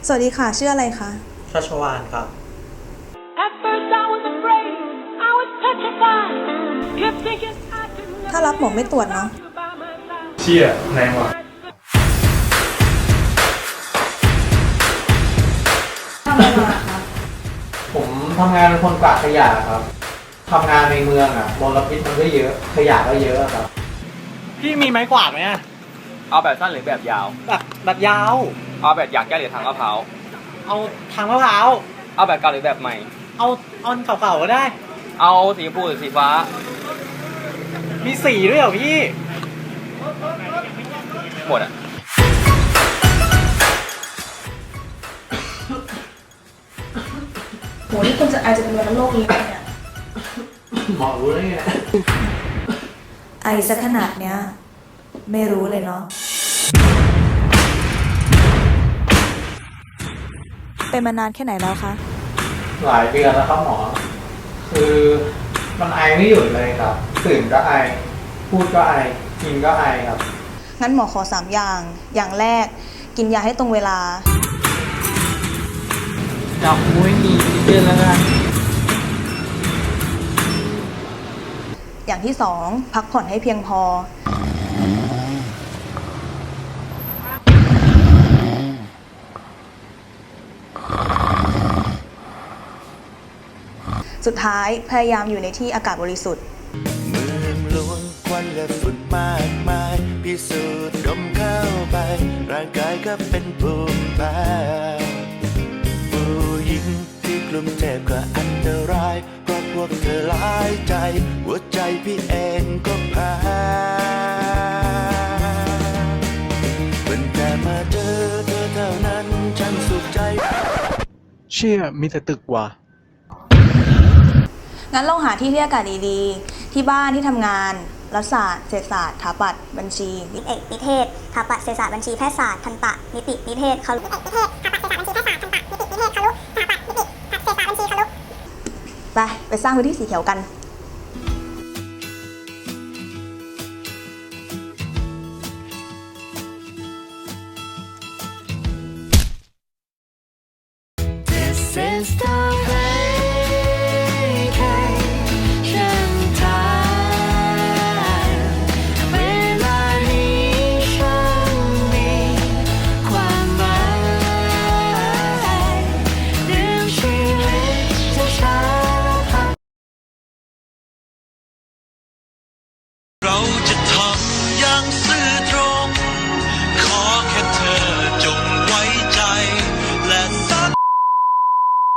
สวัสดีค่ะชื่ออะไรคะชัชวาลครับถ้ารับหมอไม่ตรวจเนาะเชี่ยแรงว่ะทำอะไรมาคะผมทำงานเป็นคนกวาดขยะครับทำงานในเมืองอ่ะมลพิษมันก็เยอะขยะก็เยอะครับพี่มีไม้กวาดไหมอะเอาแบบสั้นหรือแบบยาวแบบยาวเอาแบบอยากแก้หรือทางมะพร้าวเอาทางมะพร้าวเอาแบบเก่าหรือแบบใหม่เอาอันเก่าๆก็ได้เอาสีชมพูหรือสีฟ้ามีสีด้วยเหรอพี่หมดอ่ะโหนี่คุณจะไอจะเป็นวัณโรคนี้ไหมเนี่ยหมอรู้ได้ไงไอซะขนาดเนี้ยไม่รู้เลยเนาะเป็นมานานแค่ไหนแล้วคะหลายเดือนแล้วครับหมอคือมันไอไม่หยุดเลยครับตื่นก็ไอพูดก็ไอกินก็ไอครับงั้นหมอขอ3อย่างอย่างแรกกินยาให้ตรงเวลาจับมุ้ยมีเดือนแล้วนะอย่างที่2พักผ่อนให้เพียงพอสุดท้ายพยายามอยู่ในที่อากาศบริสุทธิ์เมืองหลวงควันและฝุ่นมากมายพิสูจน์ดมเข้าไปร่างกายก็เป็นภูมิแพ้ผู้หญิงที่กลุ่มเทพก็อันตรายเพราะพวกเธอหลายใจหัวใจพี่เองก็แพ้เป็นแต่มาเจอเธอเท่านั้นฉันสุขใจเชี่ยมีแต่ตึกว่ะงั้นลองหาที่อากาศดีๆที่บ้านที่ทำงานรัฐศาสตร์เศรษฐศาสตร์สถาปัตย์บัญชีนิเอกนิเทศสถาปัตย์เศรษฐศาสตร์บัญชีแพทยศาสตร์ทันตะนิตินิเทศครุนิเอกนิเทศสถาปัตย์เศรษฐศาสตร์ทันตะนิตินิเทศครุสถาปัตย์นิติเศรษฐศาสตร์บัญชีครุไปสร้างพื้นที่สีเขียวกัน